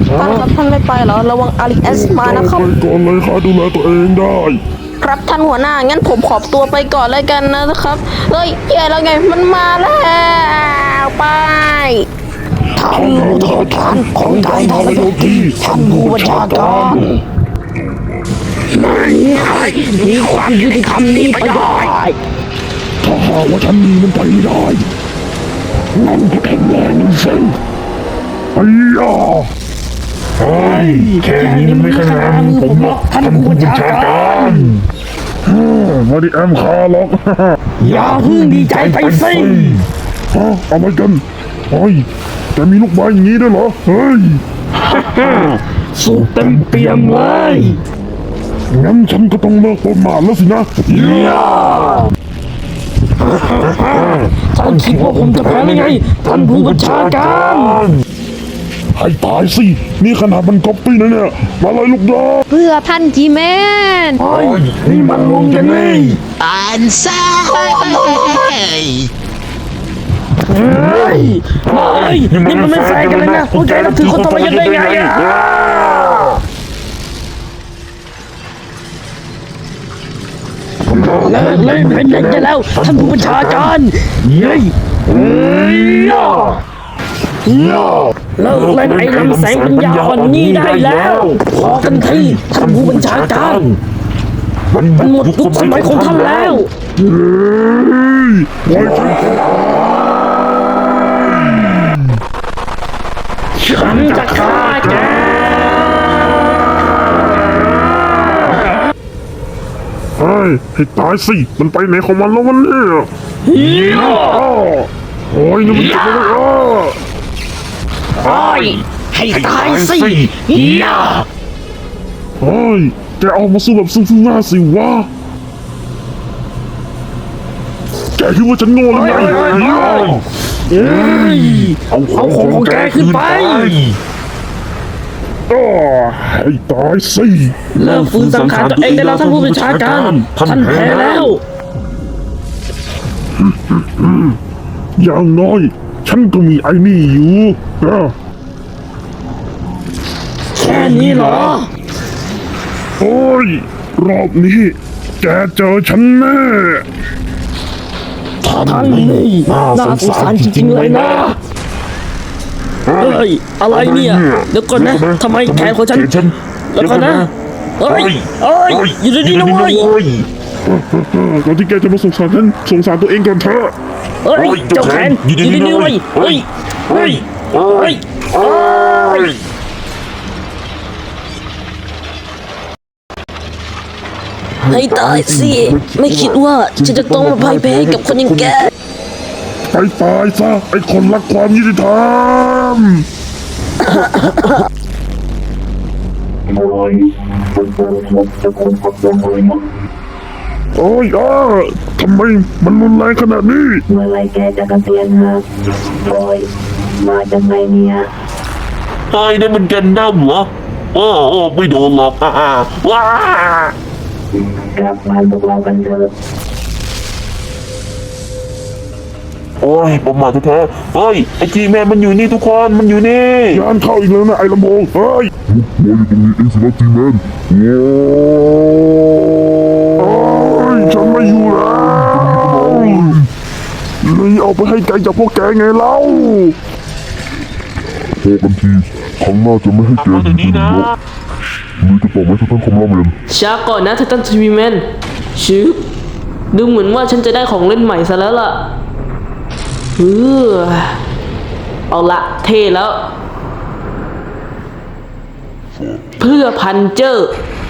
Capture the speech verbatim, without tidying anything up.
ท่านครับท่านไม่ไปเหรอระวังอาริเอสมานะครับไปก่อนเลยข้าดูแลตัวเองได้ครับท่านหัวหน้างั้นผมขอบตัวไปก่อนเลยกันนะครับเฮ้ยแย่แล้วไงมันมาแล้วไปท่านทอทานของไทยทรยศที่ท่านผู้บัญชาการไม่ให้มีความยุติธรรมนี้ไปได้ถ้าหากว่าฉันมีมันไปไม่ได้งั้นก็แข็งแรงนี่สิไอ้ยาเฮ้ยแค่นี้มันไม่ขนาดผมหรอกท่านผู้บัญชาการมาดิแอมคาหรอกอย่าเพิ่งดีใจไปสิฮะเอาไปกันเฮ้ยแต่มีลูกไม้อย่างนี้ด้วยเหรอเฮ้ยสูบเต็มเปี่ยมเลยงั้นฉันก็ต้องเลิกประมาทแล้วสินะย่าท่านคิดว่าผมจะแพ้ได้ไงท่านผู้บัญชาการให้ตายสินี่ขนาดมันก๊อปปี้นะเนี่ยมาเลยลูกดอกเพื่อท่านจีแมนเฮ้ยนี่มันลงกันนี่อันซ่าเฮ้ยเฮ้ยนี่มันไม่แฟร์กันเลยนะพวกแกนับถือคนทรยศได้ไงอ่ะเลิกเล่นเป็นอย่างนี้แล้วท่านผู้บัญชาการเย้ยเฮ้ยเลิกเล่นไอ้ลำแสงปัญญาอ่อนนี้ได้แล้วพอกันทีท่านผู้บัญชาการมันหมดยุคสมัยของท่านแล้วเฮ้ยไว้ใจฉันจะฆ่าแกเฮ้ยให้ตายสิมันไปไหนของมันแล้ววันนี้โอ้ยนี่มันจะไม่ได้อ้อโอ้ยให้ตายสิย่าเฮ้ยแกออกมาสู้แบบสู้ๆหน้าสิวะแกคิดว่าฉันโง่หรือไงเฮ้ยเอาของของแกขึ้นไปอ้อให้ตายสิเริ่มฟื้นสังขารตัวเองได้แล้วท่านผู้บัญชาการท่านแพ้แล้วอย่างน้อยฉันก็มีไอ้นี่อยู่นะแค่นี้เหรอโอ้ยรอบนี้แกเจอฉันแน่ท่านนี่น่าสงสารจริงๆเลยนะเฮ้ยอะไรเนี่ยเดี๋ยวก่อนนะทำไมแขนของฉันแล้วก่อนนะเฮ้ยเฮ้ยอยู่ดีๆนะเว้ยก่อนที่แกจะมาสงสารฉันสงสารตัวเองก่อนเถอะเฮ้ยเจ้าแขนอยู่ดีๆนะเว้ยเฮ้ยเฮ้ยเฮ้ยเฮ้ยให้ตายสิไม่คิดว่าฉันจะต้องมาพ่ายแพ้ให้กับคนอย่างแกไปตายซะไอ้คนรักความยุติธรรมโอ้ยอ้าทำไมมันรุนแรงขนาดนี้เมื่อไรแกจะเกษียณฮะโอ้ยมาจากไหนเนี่ยไอ้นั่นมันกันน้ำเหรอโอ้โอ้ไม่โดนหรอกอ่าว้ากลับบ้านพวกเรากันเถอะโอ้ยประมาทแท้ๆเฮ้ยไอ้จีแม่มันอยู่นี่ทุกคนมันอยู่นี่งานเข้าอีกแล้วนะไอ้ลำโพงเฮ้ยมาอยู่ตรงนี้เองสินะจีแมนโอ้ยฉันไม่อยู่แล้วเลยเอาไปให้ไกลจากพวกแกไงเล่าพอกันทีครั้งหน้าจะไม่ให้แกมาเดี๋ยวนี้นะหรือจะต่อไหมท่านคอมราเมนช้าก่อนนะไททันทีวีแมนชืบดูเหมือนว่าฉันจะได้ของเล่นใหม่ซะแล้วล่ะเออเอาละเท่แล้ว เพื่อพันเจอร์